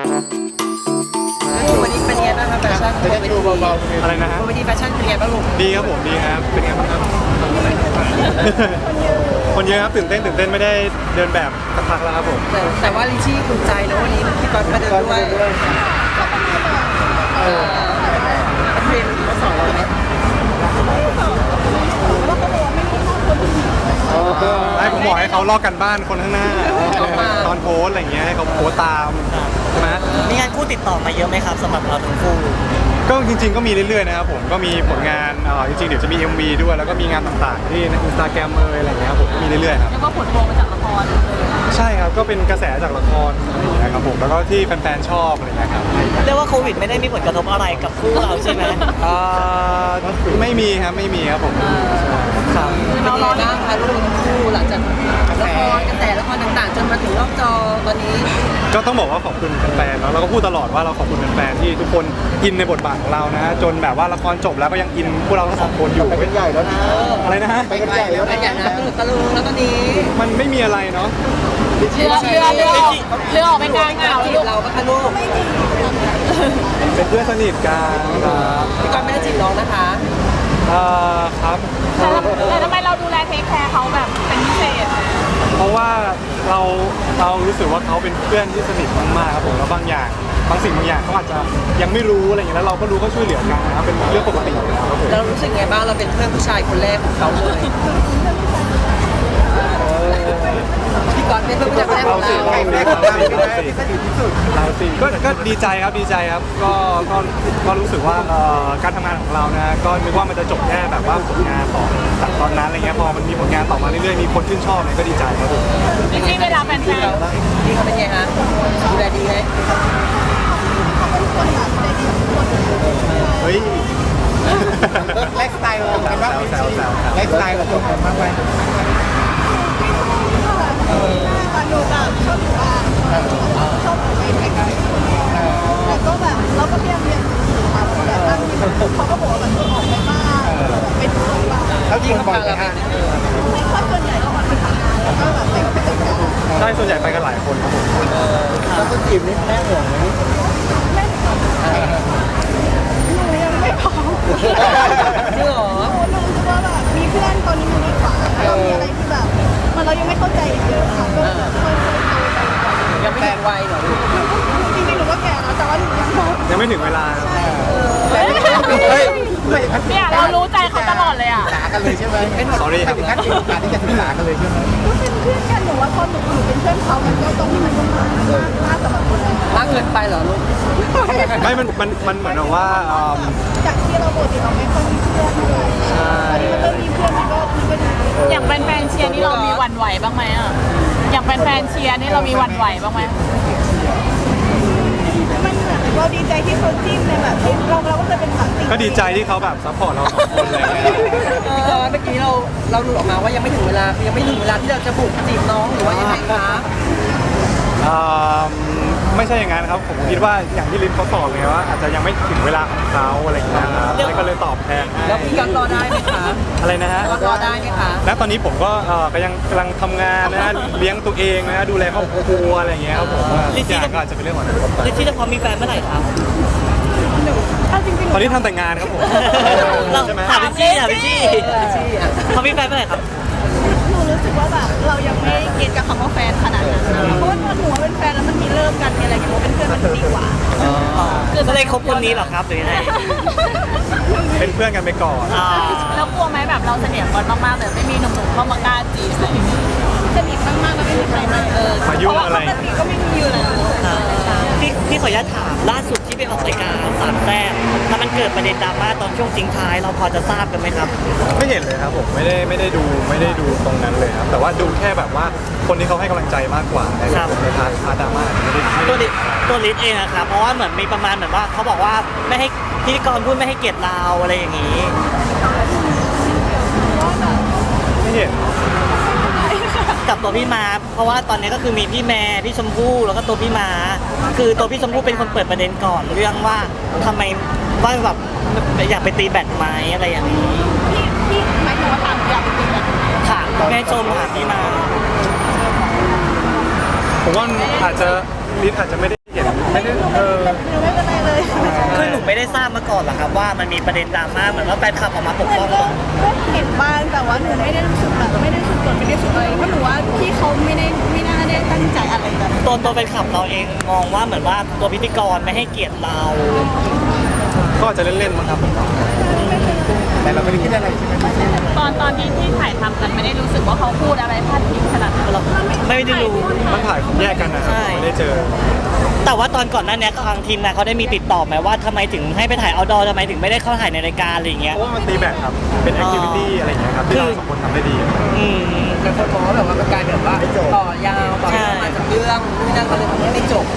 วันนี้เป็นไงบ้างครับแฟชั่นบนเวทีอะไรนะฮะบนเวทีแฟชั่นเป็นไงบ้างลูกดีครับผมดีครับเป็นไงบ้างครับคนเยอะครับตื่นเต้นไม่ได้เดินแบบสักพักแล้วครับผมแต่ว่าลิชี่ภูมิใจนะวันนี้พี่ก๊อตมาเดินด้วยเรียนมาสอนเราไหมให้ผมบอกให้เขาลอกกันบ้านคนข้างหน้าตอนโพสอะไรอย่างเงี้ยให้เขาโพสตามใช่ไหมมีงานคู่ติดต่อมาเยอะไหมครับสำหรับเราทั้งคู่ก็จริงๆก็มีเรื่อยๆนะครับผมก็มีผลงานจริงๆเดี๋ยวจะมี MV ด้วยแล้วก็มีงานต่างๆที่ใน Instagram อะไรอย่างเงี้ยครับผมมีเรื่อยๆครับแล้วก็ผลพวงมาจากละครใช่ครับก็เป็นกระแสจากละครอะไรอย่างเงี้ยครับผมแล้วก็ที่แฟนๆชอบอะไรอย่างเงี้ยครับเรียกว่าโควิดไม่ได้มีผลกระทบอะไรกับคู่เราใช่ไหมไม่มีครับผมครับเป็นไงบ้างคะลูกคู่หลังจากละครกระแสละครต่างๆจนมาถึงรอบจอตอนนี้ก็ต้องบอกว่าขอบคุณแฟนๆเนาะเราก็พูดตลอดว่าเราขอบคุณแฟนๆที่ทุกคนอินในบทบาทของเรานะจนแบบว่าละครจบแล้วก็ยังอินพวกเราทั้งสองคนอยู่เป็นใหญ่แล้วนะอะไรนะฮะไปกันใหญ่แล้วเป็นอย่างนั้นตะลุงแล้วตอนนี้มันไม่มีอะไรเนาะเรือออกไปกลางอ่าวจีบเราปะคะลูกเป็นเพื่อนสนิทกันครับพี่ก๊อตไม่ได้จีบน้องนะคะครับแต่ทำไมเราดูแลเทคแคร์เขาแบบเป็นพิเศษเพราะว่าเรารู้สึกว่าเขาเป็นเพื่อนที่สนิทมากๆครับผมแล้วบางสิ่งบางอย่างเขาอาจจะยังไม่รู้อะไรอย่างเงี้ยแล้วเราก็รู้ก็ช่วยเหลือกันนะครับเป็นเรื่องปกติครับผมเรารู้สึกไงบ้างเราเป็นเพื่อนผู้ชายคนแรกของเขาเลยพี่ก๊อตเป็นเพื่อนผู้ชายคนแรกของเราเราสิก็ดีใจครับก็รู้สึกว่าการทำงานของเรานะก็นึกว่ามันจะจบแค่แบบว่าผลงานของจากตอนนั้นอะไรเงี้ยพอมันมีผลงานต่อมาเรื่อยๆมีคนชื่นชอบเนี่ยก็ดีใจครับผมที่เวลาแฟนๆพี่เขาเป็นไงฮะดูแลดีไหมเฮ้ยไลฟ์สไตล์เราเป็นว่าไลฟ์สไตล์เราตรงกันมากไปหนูแบบชอบอยู่บ้านชอบไปไกลๆแต่ก็แบบเราก็พยายามเรียนรู้มาแบบเขาก็บอกว่าแบบออกไปบ้างไปดูบ้างแล้วยิงบ่อยไหมฮะถ้าส่วนใหญ่ก็ออกไปทำงานแล้วก็แบบไปกับเพื่อนใช่ส่วนใหญ่ไปกันหลายคนครับผมแล้วก็จีบนี่แม่ห่วงไหมหนูยังไม่พร้อมจริงเหรอหนูรู้ว่าแบบมีเพื่อนตอนนี้มันดีกว่าเรามีอะไรที่แบบมันเรายังไม่เข้าใจเยอะค่ะก็ค่อยๆยังไม่ถึงวัยเหรอจริงๆหนูก็แก่แล้วแต่ว่าหนูยังไม่ถึงเวลาเนี่ยเรารู้ใจเขาตลอดเลยอ่ะศึกษากันเลยใช่ไหมเป็น sorry ครับขั้นมีโอกาสที่จะศึกษากันเลยใช่ไหมก็เป็นเพื่อนกันหนูว่าพอหนูเป็นเพื่อนเขามันก็ตรงที่มันมากสำหรับคนเรามากเกินไปเหรอลูกไม่มันเหมือนว่าจากที่เราปกติเราไม่ค่อยมีเพื่อนเลยใช่ตอนนี้มันก็มีเพื่อนมันก็ดีอย่างแฟนๆเชียร์นี่เรามีหวั่นไหวบ้างไหมอ่ะอย่างแฟนๆเชียร์นี่เรามีหวั่นไหวบ้างไหมมันเหมือนเราดีใจที่เขาจิ้มในแบบที่เราก็เคยเป็นแบบก็ดีใจที่เขาแบบซัพพอร์ตเราสองคนเลยพี่ก๊อตเมื่อกี้เราหลุดออกมาว่ายังไม่ถึงเวลาที่เราจะบุกจีบน้องหรือว่ายังไงคะไม่ใช่อย่างนั้นครับผมคิดว่าอย่างที่ลิฟเขาตอบเลยว่าอาจจะยังไม่ถึงเวลาของเขาอะไรอย่างเงี้ยครับก็เลยตอบแทนแล้วพี่ก๊อตรอได้ไหมคะอะไรนะฮะรอได้ไหมคะและตอนนี้ผมก็ยังกำลังทำงานนะเลี้ยงตัวเองนะดูแลครอบครัวอะไรอย่างเงี้ยครับผมทุกอย่างก็อาจจะเป็นเรื่องของอนาคตลิชี่จะพร้อมมีแฟนเมื่อไหร่ครับตอนนี้ทำแต่งงานครับผมใช่ไหมถามลิชี่พร้อมมีแฟนเมื่อไหร่ครับหนูรู้สึกว่าแบบเรายังไม่เก็ตกับคำว่าแฟนขนาดนั้นเพราะว่าหนูว่าเป็นแฟนแล้วมันมีเริ่มกันมีอะไรกันเป็นเพื่อนมันดีกว่าคือจะได้คบคนนี้หรอครับหรือยังไงเป็นเพื่อนกันไปก่อนแล้วกลัวไหมแบบเราสนิทกันมากๆแต่ไม่มีหนุ่มๆเข้ามากล้าจีบอะไรอย่างเงี้ยสนิทมากๆแล้วไม่มีใครมามายุ่งอะไรก็ไม่มีอยู่แล้วพี่ขออนุญาตถามล่าสุดที่ไปออกรายการสามแซ่บแล้วมันเกิดประเด็นดราม่าตอนช่วงจริงท้ายเราพอจะทราบกันไหมครับไม่เห็นเลยครับผมไม่ได้ดูตรงนั้นเลยครับแต่ว่าดูแค่แบบว่าคนที่เขาให้กำลังใจมากกว่าในพาร์ทดราม่าตัวลิสเองนะครับเพราะว่าเหมือนมีประมาณเหมือนว่าเขาบอกว่าไม่ให้พิธีกรพูดไม่ให้เกียรติเราอะไรอย่างนี้ไม่เห็นกับตัวพี่มาเพราะว่าตอนนี้ก็คือมีพี่แม่พี่ชมพู่แล้วก็ตัวพี่มาคือตัวพี่ชมพู่เป็นคนเปิดประเด็นก่อนเรื่องว่าทำไมว่าแบบอยากไปตีแบดไหมอะไรอย่างนี้พี่หมายถึงว่าถามอยากไปตีแบดถามแม่ชมถามพี่มาผมว่าลิศอาจจะไม่ได้เห็นไม่ได้หนูไม่เป็นไรเลยคือหนูไม่ได้ทราบมาก่อนหรอกครับว่ามันมีประเด็นดราม่าเหมือนว่าแฟนคลับออกมาปกป้องก็เห็นบ้างแต่ว่าหนูไม่ได้รู้สึกแบบไม่ได้รู้สึกกดไม่ได้รู้สึกอะไรเพราะหนูว่าพี่เขาไม่น่าได้ตั้งใจอะไรแบบนั้นตัวแฟนคลับเราเองมองว่าเหมือนว่าตัวพิธีกรไม่ให้เกียรติเราก็อาจจะเล่นๆมั้งครับผมแต่เราไม่ได้คิดอะไรใช่ไหมตอนที่ถ่ายทำกันไม่ได้รู้สึกว่าเขาพูดอะไรพาดพิงขนาดนั้นเราไม่ได้รู้มันถ่ายแยกกันนะครับใช่ไม่ได้เจอแต่ว่าตอนก่อนหน้านี้ทางทีมงานเขาได้มีติดต่อไหมว่าทำไมถึงให้ไปถ่ายเอาดอทำไมถึงไม่ได้เข้าถ่ายในรายการอะไรอย่างเงี้ยเพราะว่ามันตีแบตครับ เป็นแอคทิวิตี้อะไรอย่างเงี้ยครับที่เราสองคนทำได้ดีอืมแต่คนมองว่าแบบว่ามันกลายเป็นว่าต่อยาวต่อยาวมาจากเรื่องนู่นนั่นก็เลยทำให้ไม่จบ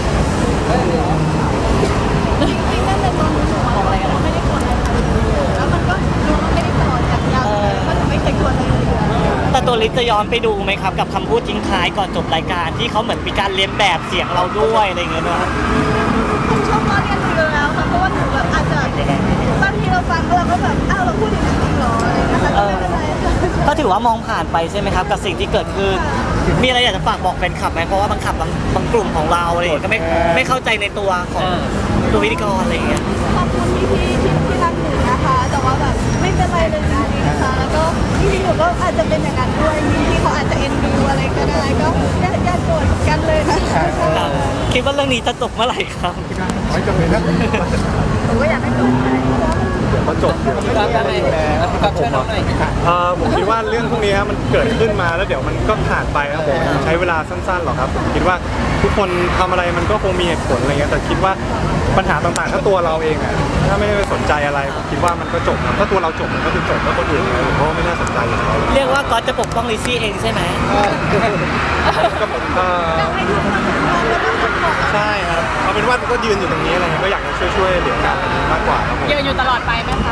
จริงๆนั่นเป็นตอนหนูบอกอะไรเราไม่ได้กดอะไรแล้วมันก็ดูว่าไม่ได้ต่อจากยาวเพราะหนูไม่เคยกดเลยแต่ตัวลิศจะย้อนไปดูไหมครับกับคำพูดทิ้งท้ายก่อนจบรายการที่เขาเหมือนมีการเลียนแบบเสียงเราด้วยอะไรอย่างเงี้ยนะผมชอบล้อเลียนหนูอยู่แล้วค่ะเพราะว่าหนูแบบอาจจะบางทีเราฟังแล้วเราก็แบบอ้าวเราพูดอย่างนี้จริงเหรออะไรอย่างเงี้ยค่ะก็ไม่เป็นไรค่ะก็ถือว่ามองผ่านไปใช่ไหมครับกับสิ่งที่เกิดขึ้น มีอะไรอยากจะฝากบอกแฟนคลับไหมเพราะว่าบางกลุ่มของเราอะไรอย่างเงี้ยก็ไม่เข้าใจในตัวของตัวพิธีกรอะไรอย่างเงี้ยขอบคุณพี่ที่รักหนูนะคะ แต่ว่าแบบไม่เป็นไรเลยจริงๆนะคะ แล้วก็จริงๆหนูก็อาจจะเป็นอย่างนั้นด้วยพี่เขาอาจจะเอ็นดูอะไรก็ได้ก็อย่าโกรธกันเลยนะคะครับคิดว่าเรื่องนี้จะจบเมื่อไหร่ครับไม่จำเป็นนะหนูก็อยากให้โกรธไปเดี๋ยวก็จบเดี๋ยวพี่ก๊อฟยังไงพี่ก๊อฟช่วยน้องหน่อยผมคิดว่าเรื่องพวกนี้มันเกิดขึ้นมาแล้วเดี๋ยวมันก็ผ่านไปครับผมใช้เวลาสั้นๆหรอกครับผมคิดว่าทุกคนทำอะไรมันก็คงมีเหตุผลอะไรเงี้ยแต่คิดว่าปัญหาต่างๆถ้าตัวเราเองอะถ้าไม่ได้ไปสนใจอะไรผมคิดว่ามันก็จบครับถ้าตัวเราจบมันก็คือจบแล้วคนอื่นเนี่ยผมก็ไม่น่าสนใจอยู่แล้วเรียกว่าก๊อตจะปกป้องลิซซี่เองใช่ไหมก็ผมใช่ครับเอาเป็นว่าก็ยืนอยู่ตรงนี้อะไรเงี้ยก็อยากจะช่วยเหลือกันมากกว่าครับผมยืนอยู่ตลอดไปไหมคะ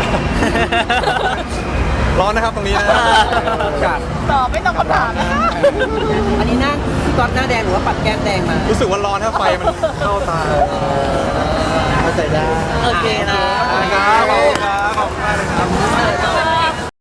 ร้อนนะครับตรงนี้นะอากาศตอบไม่ตรงคำถามนะคะอันนี้หน้าพี่ก๊อฟหน้าแดงหรือว่าปัดแก้มแดงมารู้สึกว่าร้อนถ้าไฟมันเข้าตาเข้าใจได้โอเคนะครับขอบคุณครับ